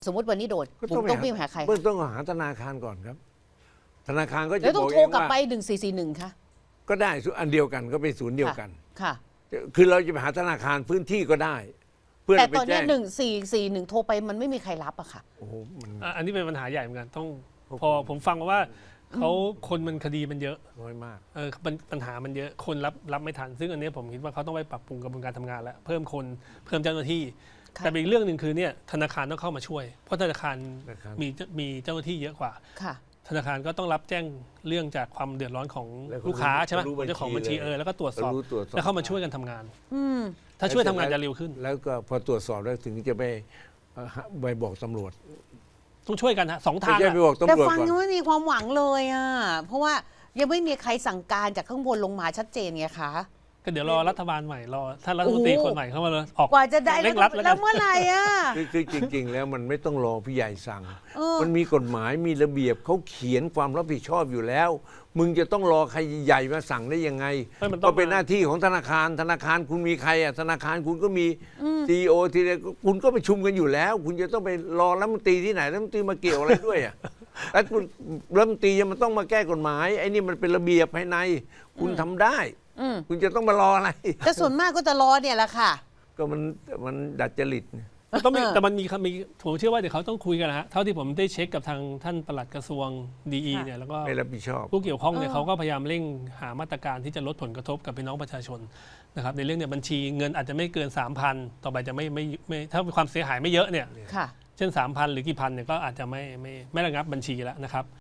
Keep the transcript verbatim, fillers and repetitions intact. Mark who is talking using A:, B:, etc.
A: สมมติวันนี้โดน
B: ก็
A: ผมต้องวิ่งหาใคร
B: เบื้องต้นก็หาธนาคารก่อนครับ ธนาคารก็จะ
A: แล้วต้
B: บ
A: อ
B: อง ก
A: โท
B: เอ
A: รง กลับ
B: ว่า
A: ไปหนึ่งสี่สี่หนึ่งค่ะ
B: ก็ได้อันเดียวกันก็เป็นศูนย์เดียวกัน
A: ค่ะ
B: คือเราจะไปหาธนาคารพื้นที่ก็ได้ เพื่อ
A: แต่
B: ไป
A: ตอน
B: แจ้
A: นี้
B: ง
A: หนึ่งสี่สี่หนึ่งโทรไปมันไม่มีใครรับอะค่ะ
B: โอ้โหมัน
C: อ่ะอันนี้เป็นปัญหาใหญ่เหมือนกันต้อง
B: ครับ
C: พอผมฟังมาว่าเขาคนมันคดีมันเยอะ
B: น้อยมาก
C: เออปัญปัญหามันเยอะคนรับรับไม่ทัน ซึ่งอันนี้ผมคิดว่าเขาต้องไปปรับปรุงกระบวนการทำงานแล้วเพิ่มคนเพิ่มเจ้าหน้าที่
A: ค่ะ
C: แต่อีกเรื่องหนึ่งคือเนี่ยธนาคารต้องเข้ามาช่วย เพราะธนาคาร
B: นะครับ
C: มีมีเจ้าหน้าที่เยอะกว่า
A: ค่ะ
C: ธนาคารก็ต้องรับแจ้งเรื่องจากความเดือดร้อนของ
B: แล้วก็
C: ลูกค้าใช่ไหม
B: รู้บัญชี
C: เจ้าของบัญชี
B: เลย
C: เออแล้วก็ตรวจสอบ
B: รู้ตรวจสอบ
C: แล้วเข้ามาช่วยกันทำงาน
A: อืม
C: ถ้าช่วยทำงานจะเร็วขึ้น
B: แล้วก็พอตรวจสอบแล้วถึงจะไปเอ่อไปบอกตำรวจ
C: ต้องช่วยกันฮะสอง
B: ไม่
C: ทาง
B: ใช่
C: อะ
B: ไปบอก
A: แต่
B: ตำรวจ
A: ฟัง
B: ก่อน
A: ยังไม่มีความหวังเลยอะเพราะว่ายังไม่มีใครสั่งการจากข้างบนลงมาชัดเจนไงคะ
C: ก็เดี๋ยวรอรัฐบาลใหม่รอท่านรัฐมนตรี
A: โอ้โห
C: คนใหม่เข้ามาเลยออก
A: กว่าจะได้
C: เร่ง
A: แล้
C: รั
A: ว
C: ดแล้ว
A: แล้
C: กั
A: วน เมื่อไหร่อะ
B: คือคือจริง ๆ แล้วมันไม่ต้องรอพี่ใหญ่สั่ง
A: เออ
B: มันมีกฎหมายมีระเบียบเขาเขียนความรับผิดชอบอยู่แล้ว มึงจะต้องรอใครใหญ่มาสั่งได้ยังไง
C: ไม่มันต้อง
B: ก็เป็นหน้าที่ของธนาคารธนาคารคุณมีใครอ่ะธนาคารคุณก็มีซีอีโอทีเดียวคุณก็ประชุมกันอยู่แล้ว คุณจะต้องไปรอรัฐมนตรีที่ไหนรัฐมนตรีมาเกี่ยวอะไรด้วยอ่ะแล้วคุณรัฐมนตรียังมันต้องมาแก้กฎหมายไอ้นี่มันเป็นระเบียบภายใน คุณทำได้
A: อืม
B: คุณจะต้องมารออะไร
A: แต่ส่วนมากก็จะรอเนี่ยแหละค่ะ
B: ก็มันมันดัดจริต
C: ต้องมี
A: เออ
C: แต่มันมีคำมีผมเชื่อว่าเดี๋ยวเขาต้องคุยกันนะฮะเท่าที่ผมได้เช็คกับทางท่านปลัดกระทรวงดี
A: ค่ะ
C: เนี่ยแล้วก็
B: ไม่รับผิดชอบ
C: ผู้เกี่ยวข้องเนี่ย
A: เออ
C: เขาก็พยายามเร่งหามาตรการที่จะลดผลกระทบกับพี่น้องประชาชนนะครับในเรื่องเนี่ยบัญชีเงินอาจจะไม่เกิน สามพัน ต่อไปจะไม่ไม่ไม่ถ้าความเสียหายไม่เยอะเนี่ย
A: ค่ะ
C: เช่น สามพัน หรือกี่พันเนี่ยก็อาจจะไม่ไม่ไม่ระงับบัญชีแล้วนะครับ